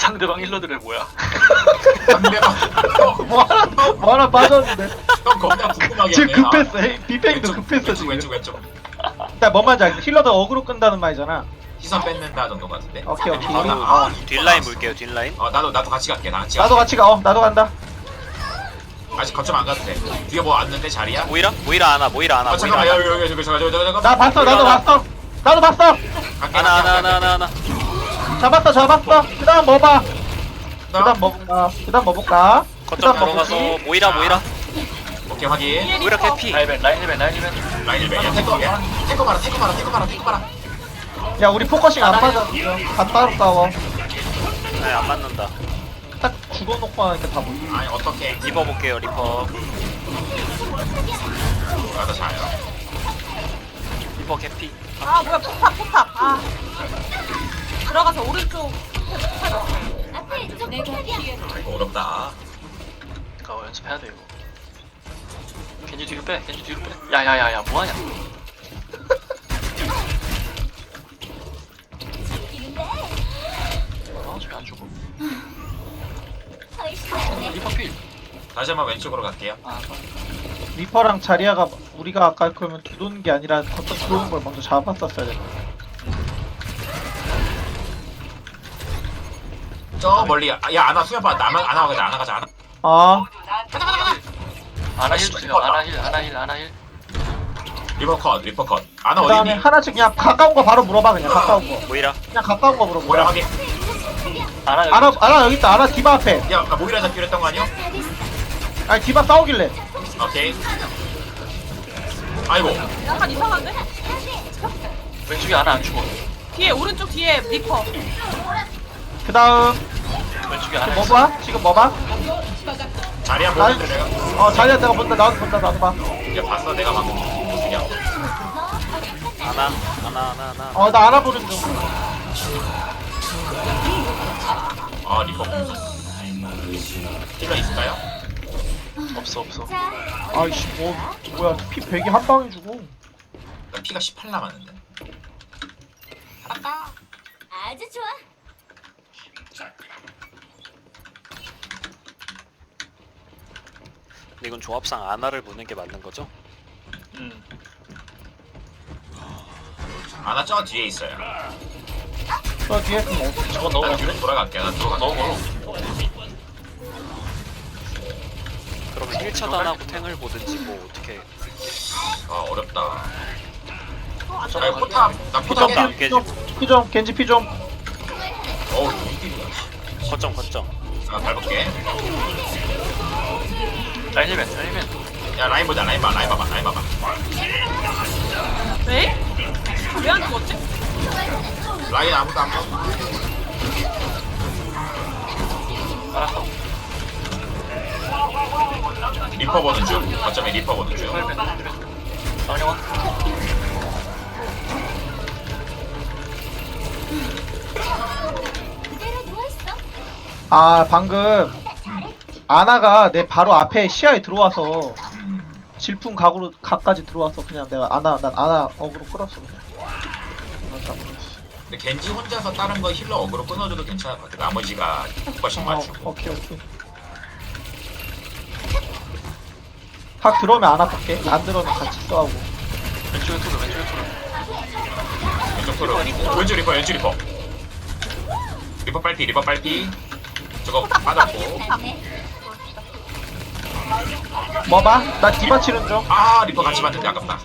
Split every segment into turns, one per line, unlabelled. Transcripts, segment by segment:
상대방 힐러들의 뭐야?
상대방
뭐 하나 빠졌는데.
형 겁나 궁금하게
지금
하네.
급했어. 빅뱅도 급했어 지금.
왼쪽
일단 뭔 말인지 알겠어. 힐러도 어그로 끈다는 말이잖아.
시선 뺏는다 정도 같은데.
오케이 오케이.
뒷라인 볼게요 뒷라인.
나도 같이 갈게. 나 같이
나도 같이 가. 나도 간다.
아직 거점 안 가도 돼. 뒤에 뭐 왔는데 자리야?
모이라? 모이라 하나 모이라 하나 모이라
잠깐만
하나.
여기 저거
나 봤어. 나도 봤어. 나도 봤어.
하나.
잡았어. 그다음 뭐 봐?
그다음
그다음 뭐 볼까?
거점
그다음 뭐
들어가서
보지?
모이라.
오케이 확인.
모이라 캐피.
라인 힐벤.
라인을 매겨. 탱커 봐라.
야 우리 포커싱 안 맞아. 다 따로 싸워.
네, 안 맞는다.
딱 죽어놓고 하니까 다 보이.
아니 어떻게?
리퍼 볼게요 리퍼.
나도 자요.
리퍼 캐피.
아 뭐야 포탑 아 들어가서 오른쪽
이거 어렵다.
이거 연습해야 돼 이거. 겐지 뒤로 빼. 야야야야 뭐하냐? 저기 안 죽어. 리퍼 필.
다시 한번 왼쪽으로 갈게요.
리퍼랑 자리아가 우리가 아까 그러면 두도는 게 아니라 거점 들어오는 걸 먼저 잡았었어야 돼.
저 멀리 야 아나 수면 봐. 나만 아나 가자.
아
아나 힐 주세요. 아나 힐.
리퍼 컷. 아나 어디
그다음에
있니?
하나씩 그냥 가까운 거 바로 물어봐. 그냥 가까운 거.
모이라.
그냥 가까운 거 물어봐.
뭐야 확인.
아나
알아 여기 있다. 알아 디바 앞에.
야 모이라 잡기로 했던 거 아니야?
아니 디바 싸우길래.
오케이. 아이고.
약간 이상한데?
왼쪽에 아나 안 죽어.
뒤에 오른쪽 뒤에 리퍼
그다음
왼쪽에 아나
뭐
있어.
봐? 지금 뭐 봐?
자리 한번 보는데 내가.
자리아 내가 본다. 나도 봐.
야 봤어 내가 방금. 그냥.
하나.
나 알아보는 중.
아 리퍼 공수. 힐러 있을까요?
없어.
아이씨 뭐야 피 100이 한 방에 주고.
나 피가 18 남았는데.
아주 좋아.
근데 이건 조합상 아나를 보는 게 맞는 거죠?
아나 저 뒤에 있어요.
저 뒤에 그럼
저거
나
넣으면
뒤로 돌아갈게. 나 들어가.
너무 멀어.
그럼 1차 단하고 탱을 보든지 뭐 어떻게.
아 어렵다.
저거
아 포탑. 나 포탑.
포탑도 안 깨지고.
피좀 겐지 피좀.
어우 이길이야.
거점.
아 밟을게.
라인 힐벤.
야 라인 보자. 라인 봐봐.
왜? 왜 안 죽었지?
라인 아무도 안 봐.
알았어.
리퍼 보는 중. 거점에 리퍼 보는 중.
힐벤. 정영아.
그대로 누워있어.
방금 아나가 내 바로 앞에 시야에 들어와서 질풍 각까지 들어와서 그냥 내가 난 아나 어그로 끌었어 그냥.
근데 겐지 혼자서 다른 거 힐러 어그로 끊어줘도 괜찮을 것 같아. 나머지가 훨씬 맞추고.
오케이. 확 들어오면 안 아플게. 안 들어오면 같이 싸우고.
왼쪽에 토르.
왼쪽 토르. 왼쪽 리퍼. 리퍼 빨피. 저거 빠졌고.
뭐 봐? 나 디바 치는 중.
아 리퍼 같이 맞는데 아깝다.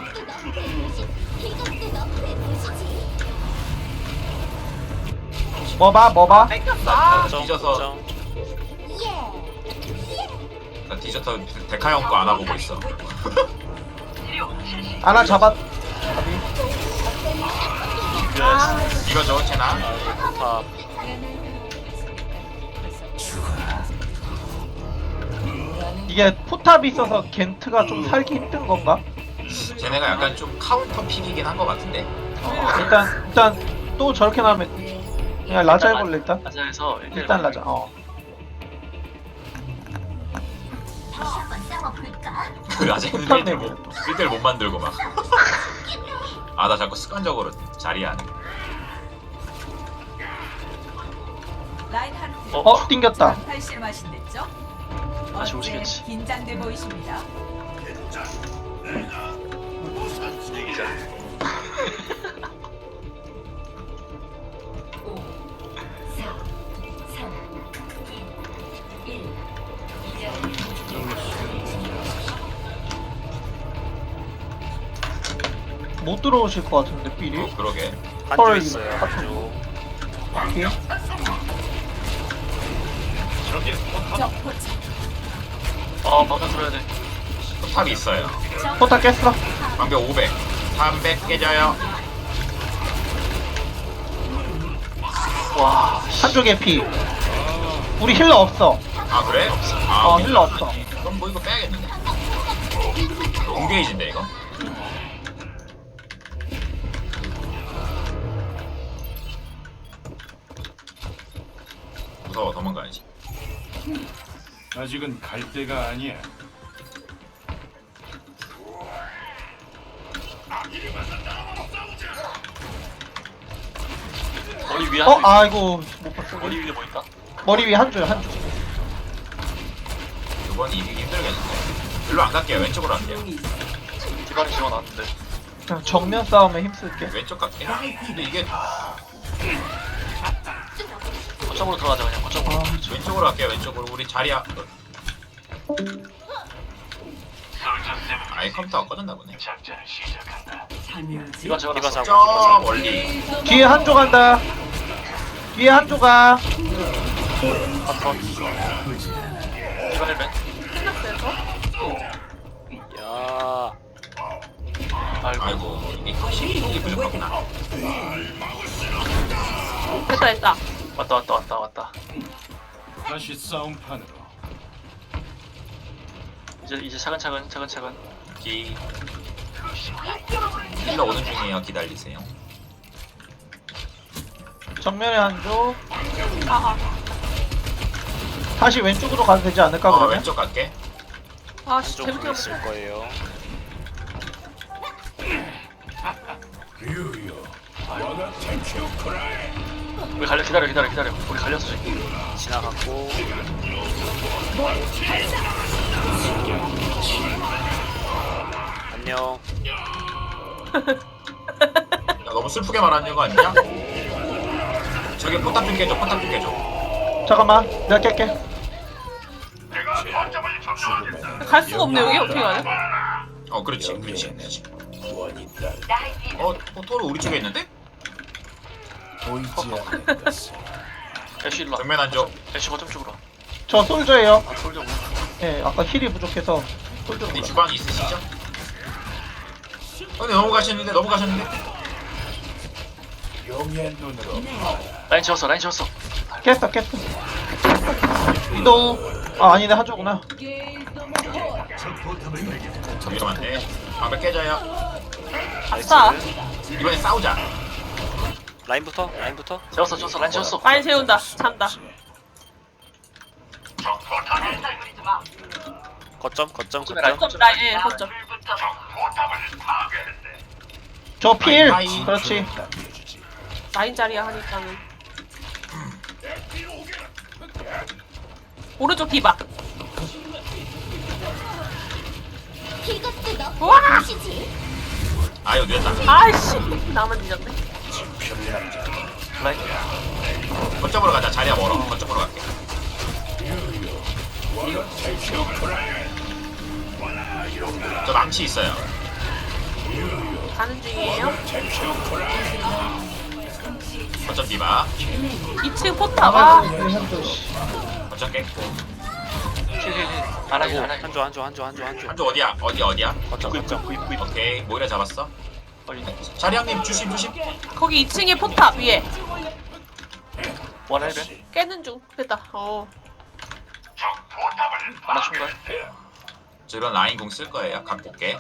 뭐 봐?
뺏겼어
뒤져서 나 뒤져서 데카 형 거 안아보고 있어.
아나 잡았.
이거죠 채나.
포탑.
이게 포탑이 있어서 겐트가 좀 살기 힘든 건가?
쟤네가 약간 좀 카운터 픽이긴 한 것 같은데.
일단 또 저렇게 나오면 그냥 라자 해볼래 일단.
라자에서
일단 라자.
한번 싸워볼까?
그 아재는 1대1 못 만들고 막. 아 나 자꾸 습관적으로 자리에 안.
띵겼다.
다시 오시겠지.
긴장돼 보이십니다.
이기자.
5, 4, 3, 2, 1.
못 들어오실 것 같은데 삐리.
그러게.
한조
헐,
있어요. 한조.
삐리.
방금 들어야 돼.
탑이 있어요.
포탑 깼어.
방벽 500. 300 깨져요.
와,
한쪽에 피. 우리 힐러 없어.
아 그래? 아
어 힐러 없어.
그럼 뭐 이거 빼야겠는데? 공게이지인데 이거? 무서워 도망가야지.
아직은 갈 때가 아니야.
머리 위에 한 조.
아이고 못 봤어.
머리 위에 뭐 있다?
머리 위에 한줄 한줄.
이번 이기기 힘들겠는데. 일로 안 갈게요. 왼쪽으로 갈게요.
기반이 지워놨는데.
그냥 정면 싸움에 힘쓸게.
왼쪽 갈게. 근데 이게
거점으로 들어가자 그냥 거점으로.
왼쪽으로 갈게요. 왼쪽으로 우리 자리야. 아예 컴퓨터가 꺼졌나 보네.
기반 지워놨어.
이거 잡아.
저 멀리.
뒤에 한조 간다. 뒤에 한조 가.
바텀. 기반 1벤.
야.
아이고.
아이고 이게 확실히 부족하구나.
됐다.
왔다.
다시 싸움판으로.
이제 차근차근.
기. 힐러 오는 중이에요. 기다리세요.
정면에 한조.
아하.
다시 왼쪽으로 가도 되지 않을까 그러면?
왼쪽 갈게.
아씨
한조
재밌게
공 있을 거예요.
우리 기다려. 우리 갈렸어 지금.
지나갔고. 안녕.
야, 너무 슬프게 말하는 거 아니냐? 저기 포탑 좀 깨줘.
잠깐만 내가 깰게.
갈 수가 없네 여기 어떻게 가냐?
그렇지. 토르 우리 쪽에 있는데?
애쉬 일로 와.
정면 안줘.
애쉬 거점 쪽으로 와.
저 솔저예요.
아 솔져.
예 아까 힐이 부족해서 솔저로
어디
가.
주방이 있으시죠? 근데 넘어가셨는데.
용의 눈으로
라인 지웠어.
깼어. 이동. 아니네 한조구나.
이러면 안 돼. 방벽 깨져요.
아싸.
이번엔 싸우자.
라인부터.
지웠어. 라인 지웠어.
많이 세운다. 잔다.
거점.
거점 라인 거점.
저 필.
아이.
그렇지.
라인 자리야 하니까는. 오른쪽 디바.
이것도 너
우와!
보시지.
아유 늦었다.
아이씨 나만 늦었네.
라인.
거점으로 가자. 자리야 멀어. 거점으로 갈게. 저 망치 있어요.
가는 중이에요.
거점 디바.
2층 포탑. 아
한조 씨.
거점 깼고.
안 하긴.
한조.
한쪽 어디야? 어디야?
거점.
오케이. 모이라 잡았어. 자리형님 조심.
거기 2층에 포탑 위에.
원 1벤.
깨는 중. 됐다.
하나 충분.
저 이런 라인 공 쓸 거예요. 갖고 올게.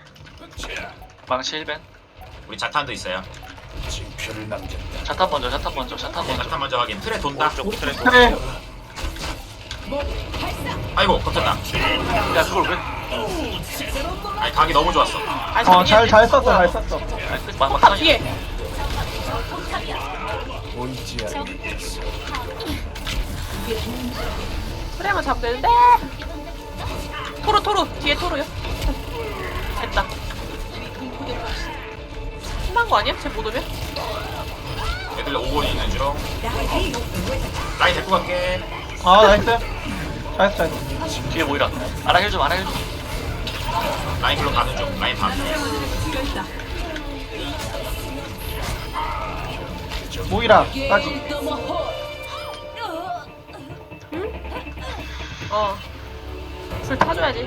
망치 1벤.
우리 자탄도 있어요.
징표를 남겼다.
자탄 먼저.
자탄 먼저 확인. 틀에 돈다.
오른쪽 트랙.
그래.
아이고 걷혔다.
야 그걸 왜?
아니 각이 너무 좋았어.
잘 썼어.
아니
포탑
막상이.
뒤에.
보이지 않는
프레임을 잡으면 되는데. 토르 뒤에 토르요. 됐다. 끝난 거 아니야? 쟤 못 오면?
애들 5번 있는 중. 라인 데리고 갈게.
아 나이스. 잘했어.
뒤에 모이라. 아나 힐 좀, 아나 힐 좀.
라인 글로 가는 중. 라인 반.
모이라까지.
불 타줘야지.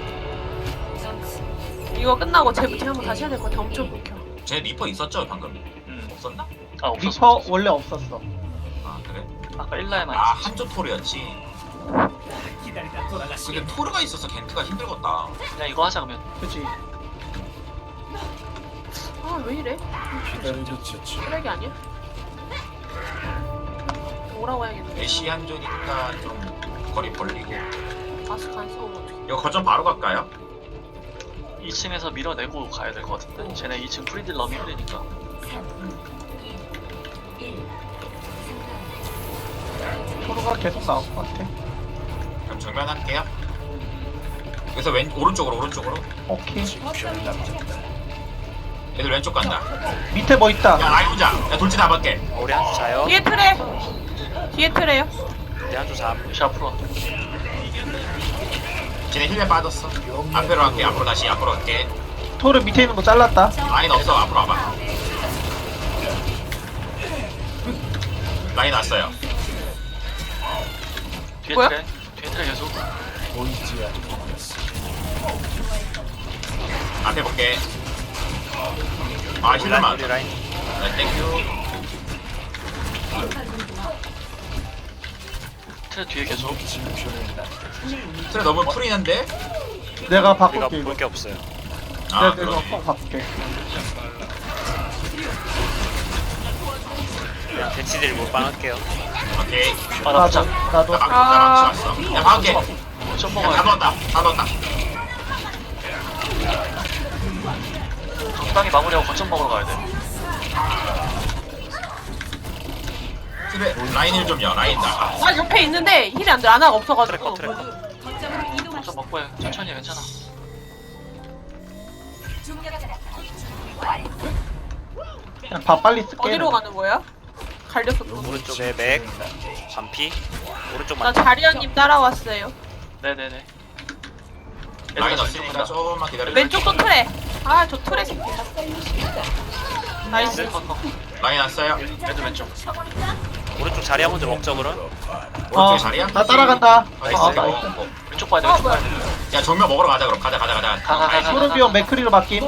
이거 끝나고 쟤부터 한번 다시 해야 될 것 같아. 엄청 불켜.
쟤 리퍼 있었죠 방금? 없었나?
아,
리퍼
없었어.
원래 없었어.
아 그래?
아까 1라에만
아
있었지.
한조 토르였지. 근데 토르가 있어서 겐트가 힘들겠다.
그냥 이거 하자, 그러면.
그치.
아 왜 이래?
기다려졌지.
쓰레기 아니야? 오라고 해야겠네.
애쉬 한조니까 좀 거리 벌리고.
마스크 안 쓰고 어떡해.
이거 거점 바로 갈까요?
2층에서 밀어내고 가야 될 것 같은데. 쟤네 2층 프리딜 너무 힘드니까.
토르가 계속 나올 것 같아.
그럼 정면할게요. 그래서 오른쪽으로.
오케이.
징표를 남겼다.
애들 왼쪽 간다.
밑에 뭐 있다.
야 라인 보자. 야 돌진 잡을게.
우리 한주 자요.
뒤에 트레. 뒤에 트레요.
우리 한주 잠.
역시 앞으로 와.
쟤네 힐에 빠졌어. 앞으로 갈게. 앞으로 갈게.
토르 밑에 있는 거 잘랐다.
라인 없어. 앞으로 와봐. 라인 왔어요.
뒤에
뭐야?
트레. 뒤에 트레 계속.
보이지 않는 것을.
앞에 볼게. 아 힐러만.
우리 라인.
네, 땡큐.
트레 뒤에 계속.
징표를 남겼다.
트레 너무 풀이는데?
내가
우리가
바꿀게 이거.
볼 게 없어요.
아
내가 이거
그러네.
꼭 바꿀게.
그냥 대치딜 못방 할게요.
오케이.
아, 나
나도
보자.
나도.
나 망치 왔어. 야 박을게.
좀
야,
먹어야
다
돼.
넣었다.
적당히 마무리하고 거점 먹으러 가야 돼.
트레 라인 힐 좀요. 라인 나가.
아 옆에 있는데 힐이 안 돼. 아나가 없어가지고.
트래커.
거점 먹고 해. 천천히 해, 괜찮아.
그냥 밥 빨리 쓸게.
어디로 가는 거야? 갈렸어. 또.
오른쪽에 맥. 반피. 오른쪽만.
나 자리언님 따라왔어요.
네네네.
라인
얘들아,
없으니까
간다.
조금만 기다려.
왼쪽도 트레. 아 저 트레 새끼. 나이스.
라인 왔어요.
애들 왼쪽.
오른쪽 자리 먼저 먹죠 그럼.
오른쪽에 자리야?
나 따라간다.
나이스.
아 나이스.
왼쪽 봐야 돼, 왼쪽 봐야 돼.
야 정면 먹으러 가자 그럼. 가자.
가.
토르비온 맥크리로 바뀜.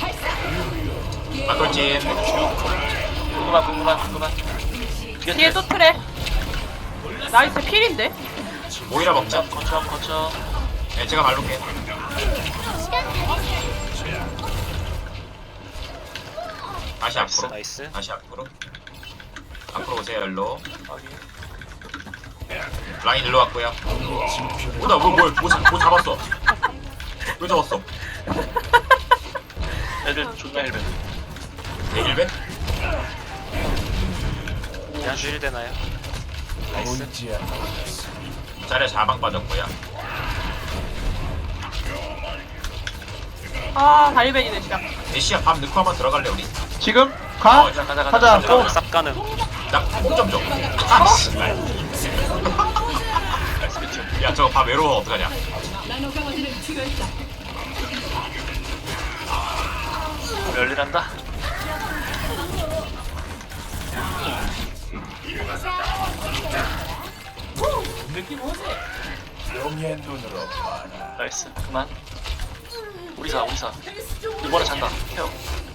막돌진.
궁금한.
뒤에 또 트레. 나이스 필인데?
모이라 먹자.
거쳐.
네, 제가 말로게. 다시 앞으로.
나이스.
다시 앞으로. 앞으로 오세요 일로.
여기.
라인 일로 왔고요. 뭐다 뭐 잡았어. 왜 잡았어?
애들 존나 헬멧.
네, 1배?
우리 한주 힐 되나요? 나이스.
보이지 않는 것을.
자리에 자방 빠졌고요.
아 다리벤이네 진짜.
애쉬야 밥 넣고 한번 들어갈래 우리?
지금 가.
가자.
가자. 고.
쌉 가능.
나뽕좀 줘. 아 씨발.
나이스 비트.
야 저거 밥 외로워 어떡하냐?
열일한다.
용의 눈으로 봐라.
나이스. 그만. 우리사. 이번에 잔다. 케어.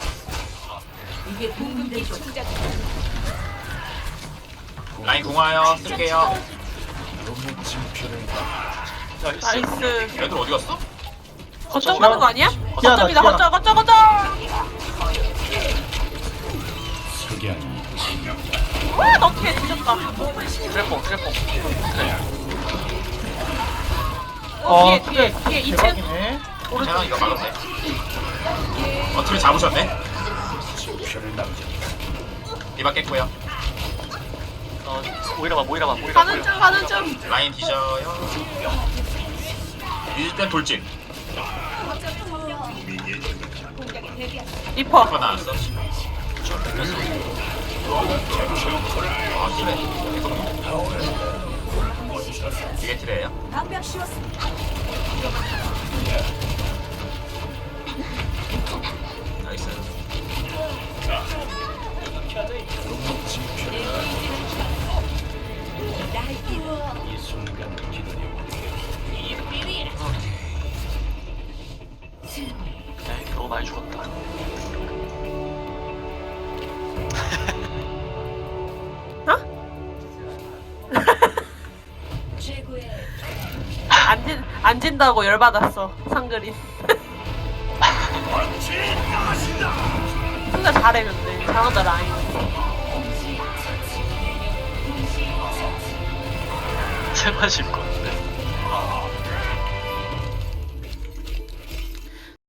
라인 공화요. 쓸게요.
용의 징표를 남겼다.
나이스.
나이스.
애들 어디 갔어?
거점 가는 거 아니야?
희한하다,
거점이다. 거점.
석양이
와, 너 어떻게 뒤졌다.
트래퐁. 그래.
뒤에 2층.
대박이네.
괜찮아 이거 막으면 돼. 어떻게 잡으셨네?
징표를 남겼다.
이박 깼고요.
모이라만
가는 중 가는 중.
라인 뒤져요. 일단 돌진.
리퍼.
리퍼 나왔어. 아 트레. 이게 트레예요? 나이스.
이 순간을 기다려볼게.
네, 너무 많이 죽었다.
최고의
안 진다고 열받았어 상그린. 상대 잘해 근데 잘한다 라인.
제발 짚고.